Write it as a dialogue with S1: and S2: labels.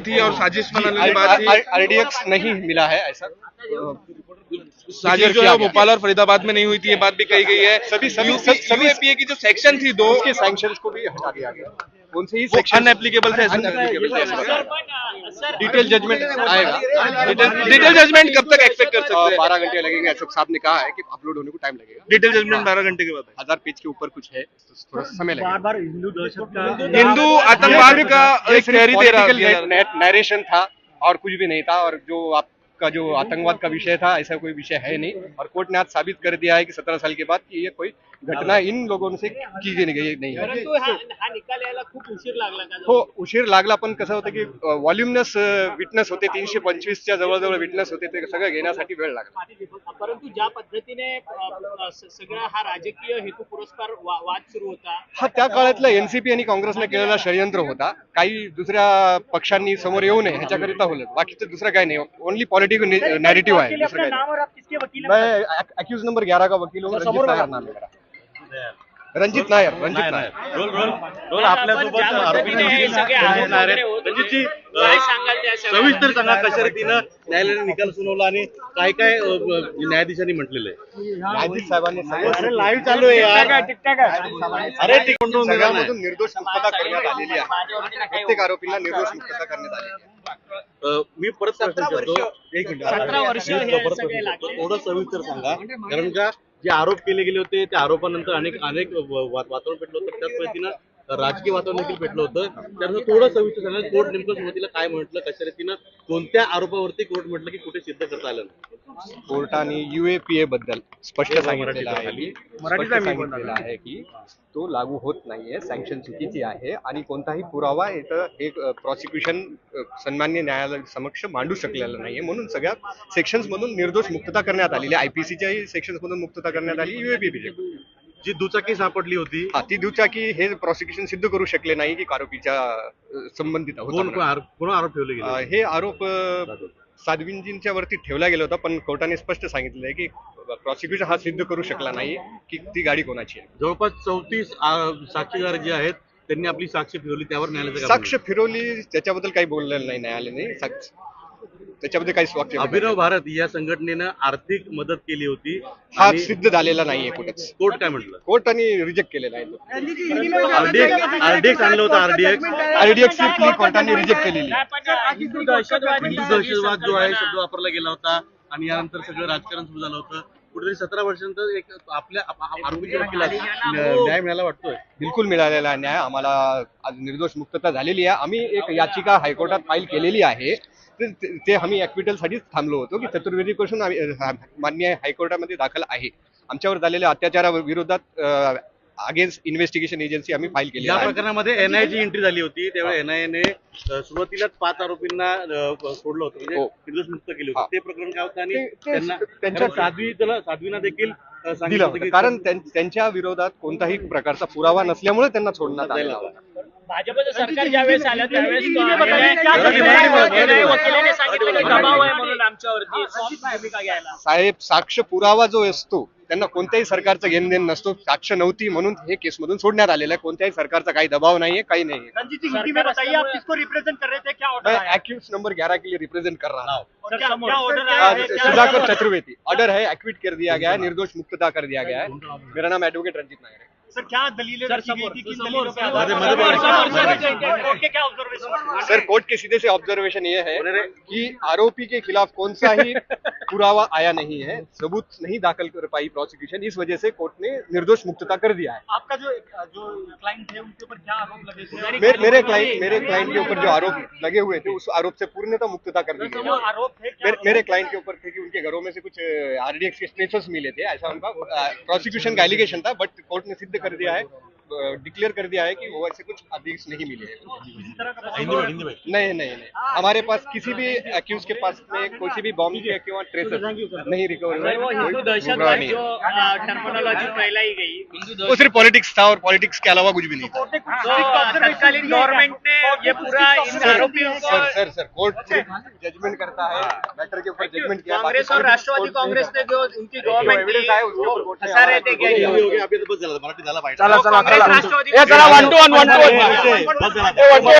S1: थी और साजिश बनाने की बात थी।
S2: आरडीएक्स नहीं मिला है ऐसा
S1: साजिश जो है भोपाल और फरीदाबाद में नहीं हुई थी, ये बात भी कही गई है।
S2: सभी
S1: यूएपीए की जो सेक्शन थी दो,
S2: उसके सैंक्शंस को भी हटा दिया गया, उनसे ही
S1: वो
S2: सेक्शन
S1: अनएप्लीकेबल थे।
S2: डिटेल जजमेंट आएगा।
S1: डिटेल जजमेंट कब तक एक्सपेक्ट कर सकते हैं?
S2: 12 घंटे लगेंगे, अशोक साहब ने कहा है कि अपलोड होने को टाइम लगेगा।
S1: डिटेल जजमेंट 12 घंटे के बाद है।
S2: 1000 पेज के ऊपर कुछ है तो थोड़ा समय लगेगा।
S3: बार
S1: हिंदू आतंकवाद का एक तहरीर दे रहा है।
S2: नरेशन था और कुछ भी नहीं था, और जो आपका जो आतंकवाद का विषय था ऐसा कोई विषय है नहीं। और कोर्ट ने आज साबित कर दिया है कि 17 साल के बाद कि ये कोई घटना इन लोगों से की गई नहीं है।
S3: परंतु हा निकाल यायला खूप उशीर लागला का?
S2: हो, उशीर लागला, पण कसं होतं की व्हॉल्युमिनस विटनेस होते, 325च्या जवळजवळ विटनेस होते, ते सगळं घेण्यासाठी वेळ लागला.
S3: परंतु ज्या पद्धतीने सगळा हा राजकीय हेतू पुरस्कार वाद सुरू होता,
S2: हा त्या काळातला एनसीपी आणि काँग्रेसने केलेला षडयंत्र होता. काही दुसऱ्या पक्षांनी समोर येऊ नये ह्याच्याकरिता होलं, बाकीचं दुसरं काही नाही. ओनली पॉलिटिकल नॅरेटिव्ह आहे, दुसरं काही नाही. मैं अक्यूज नंबर 11 का वकील हूँ, रंजित नायर नाम है मेरा. रंजित नायर.
S4: रोल आपल्यासोबत रणजितजी, सविस्तर सांगा कशा रीतीनं न्यायालयाने निकाल सुनावला आणि काय काय न्यायाधीशांनी म्हटलेलं आहे.
S2: न्यायाधीश साहेबांनी
S4: लाईव्ह चालू आहे यार.
S2: अरे सगळ्यामधून निर्दोष मुक्तता करण्यात आलेली आहे. प्रत्येक आरोपीला निर्दोष मुक्तता करण्यात आलेली आहे.
S4: मी परत प्रश्न विचारतो, एक मिनिट,
S3: 17 वर्ष हे
S4: परत
S3: सगळे
S4: प्रश्न
S3: लागले.
S4: विचारतो. थोडं सविस्तर सांगा, कारण का जे आरोप केले गेले होते त्या आरोपानंतर अनेक वातावरण पेटलं होतं, त्याच पद्धतीनं राजकीय वातावरण देखील पेटलं होतं. त्यानंतर थोडं सविस्तर सांगा, कोर्ट नेमकं सुरुवातीला काय म्हटलं, कशा रीतीनं कोणत्या आरोपावरती कोर्ट म्हटलं की कुठे सिद्ध करता आलं नाही.
S2: कोर्टाने यूएपीए बद्दल स्पष्ट सांगितलेलं आहे की तो लागू होत नाहीये, सँक्शन चुकीची आहे आणि कोणताही पुरावा इथं एक प्रॉसिक्युशन सन्मान्य न्यायालय समक्ष मांडू शकलेला नाहीये, म्हणून सगळ्या सेक्शन्स मधून निर्दोष मुक्तता करण्यात आलेली. आयपीसीच्याही सेक्शन्स मधून मुक्तता करण्यात आली. यूएपीए
S4: जी दुचाकी सापडली होती,
S2: हा, ती दुचाकी हे प्रॉसिक्युशन सिद्ध करू शकले नाही की आरोपीच्या संबंधित होता.
S4: कोण आरोप ठेवले गेले?
S2: हे आरोप साध्वींजींच्या वरती ठेवला गेला होता, पण कोर्टाने स्पष्ट सांगितलं आहे की प्रॉसिक्युशन हा सिद्ध करू शकला नाही की ती गाडी कोणाची आहे.
S4: जवळपास 34 साक्षीदार जे आहेत त्यांनी आपली साक्ष फिरवली, त्यावर न्यायालयाचं
S2: साक्ष फिरवली त्याच्याबद्दल काही बोललेलं नाही न्यायालयाने. त्याच्याबद्दल काही वाक्य
S4: अभिनव भारत या संघटनेनं आर्थिक मदत केली होती,
S2: हा सिद्ध झालेला नाहीये कुठेच.
S4: कोर्ट काय म्हटलं?
S2: कोर्टाने रिजेक्ट केलेला आहे.
S4: आरडीएक्स आणलं होतं,
S2: आरडीएक्स प्ली कोर्टाने रिजेक्ट केलेली.
S3: हिंदू
S4: दहशतवाद जो आहे शब्द वापरला गेला होता आणि यानंतर सगळं राजकारण सुरू झालं होतं. कुठेतरी 17 वर्षानंतर एक आपल्या आरोपीच्या वकिलाला न्याय मिळाला वाटतोय.
S2: बिलकुल मिळालेला आहे न्याय. आम्हाला आज निर्दोष मुक्तता झालेली आहे. आम्ही एक याचिका हायकोर्टात फाईल केलेली आहे. ते आम्ही ॲक्विटल साठीच थांबलो होतो की चतुर्वेदी क्वेश्चन मान्य हायकोर्टामध्ये दाखल आहे. आमच्यावर झालेल्या अत्याचाराविरोधात अगेन्स्ट इन्व्हेस्टिगेशन एजन्सी आम्ही फाईल केली.
S4: या प्रकरणामध्ये एनआयची एंट्री झाली होती, त्यावेळी एनआयने सुरुवातीलाच 5 आरोपींना सोडलं होतं, म्हणजे निर्दोष मुक्त केले होते. ते प्रकरण काय होतं आणि त्यांना साध्वीना देखील
S2: दिलं होतं, कारण त्यांच्या विरोधात कोणताही प्रकारचा पुरावा नसल्यामुळे त्यांना सोडण्यात आलेला होता.
S3: भाजपचं सरकार ज्यावेळेस आलं त्यावेळेस वकिलाने सांगितलं की दबाव आहे म्हणून आमच्यावरती भूमिका घ्यायला.
S2: साहेब, साक्ष पुरावा जो असतो त्यांना कोणत्याही सरकारचं घेणदेण नसतो. साक्ष नव्हती म्हणून हे केस मधून सोडण्यात आलेलं आहे. कोणत्याही सरकारचा काही दबाव नाहीये, काही नाहीये. एक्यूज नंबर 11 के लिए रिप्रेजेंट कर रहा हूँ. सुधाकर चतुर्वेदी. ऑर्डर है, एक्विट कर दिया गया है, निर्दोष मुक्तता कर दिया गया है. मेरा नाम एडवोकेट रंजित नायर है.
S3: सर, क्या दलीलें रखी गई थी, किन दलीलों पे
S2: सर, कोर्ट के सीधे से ऑब्जर्वेशन ये है कि आरोपी के खिलाफ कौन सा ही पुरावा आया नहीं है, सबूत नहीं दाखिल कर पाई प्रोसिक्यूशन, इस वजह से कोर्ट ने निर्दोष मुक्तता कर दिया है.
S3: आपका जो क्लाइंट थे उनके ऊपर क्या आरोप लगे थे?
S2: मेरे क्लाइंट के ऊपर जो आरोप लगे हुए थे उस आरोप से पूर्णतः मुक्तता कर दी गई.
S3: आरोप थे
S2: मेरे क्लाइंट के ऊपर थे कि उनके घरों में से कुछ आरडीएक्स के स्ट्रेचर्स मिले थे, ऐसा उनका प्रोसिक्यूशन का एलिगेशन था. बट कोर्ट ने सिद्ध कर दिया है, डिक्लेयर कर दिया है कि वो ऐसे कुछ आदेश नहीं मिले हैं. नहीं, हमारे पास किसी भी अक्यूज के पास में कोई भी बॉम्ब के किंवा ट्रेसर नहीं रिकवर हुए.
S3: हिंदू दहशतवाद जो टर्मिनोलॉजी फैलाई गई,
S2: वो सिर्फ पॉलिटिक्स था और पॉलिटिक्स के अलावा कुछ भी नहीं था.
S3: तत्कालीन गवर्नमेंट ने ये पूरा इन आरोपियों को
S2: सर कोर्ट जजमेंट करता है, मैटर के ऊपर जजमेंट किया.
S3: कांग्रेस और राष्ट्रवादी कांग्रेस ने जो उनकी गवर्नमेंट
S2: एविडेंस आहे उसके ऊपर कोर्ट
S3: फंसा रहे थे क्या?
S4: आपल्याला बस झालं, मराठी झाला पाहिजे.
S3: कांग्रेस राष्ट्रवादी
S1: चला 1 to 1